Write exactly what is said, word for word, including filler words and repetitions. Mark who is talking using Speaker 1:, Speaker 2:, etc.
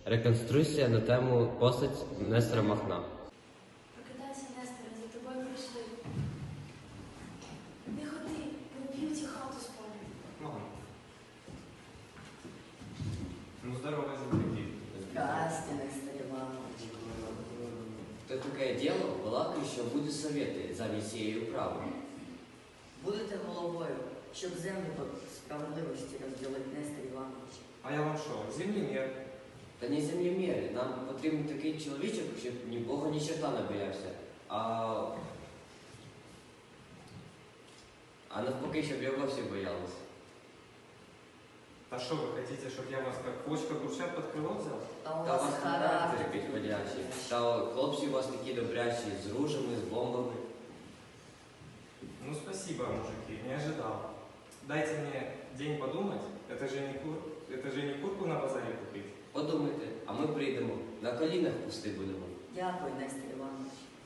Speaker 1: Реконструкція на тему постать Нестора Махна.
Speaker 2: Прокидайся, Несторе, за тобою прийшли. Не ходи, поб'ють і хату спалять.
Speaker 3: Мам. Ну, здорово, земляки.
Speaker 4: Здрасте, Нестор Иванович.
Speaker 5: То таке діло, балакаю, що буде совєти замість цієї управи.
Speaker 4: Будете головою, щоб землю по справедливості розділити, Нестор Іванович.
Speaker 3: А я вам що, землемер?
Speaker 5: Та не землеміри, нам потрібен такий чоловічок, щоб ні Бога, ні черта не боявся. А, а навпаки, щоб його всі боялися.
Speaker 3: Та що ви хотите, щоб я вас як квочка гурчат під крило взяв?
Speaker 4: Та у
Speaker 5: Та у
Speaker 4: вас
Speaker 5: вас характер підходящий. Та хлопці у вас такі добрячі, з ружами, з бомбами.
Speaker 3: Ну, спасибо, мужики, не ожидал. Дайте мне день подумать, это же не, кур... это же не курку на базаре купить.
Speaker 5: Подумайте, а ми прийдемо, на колінах пусти будемо.
Speaker 4: Дякую, Нестор Іванович.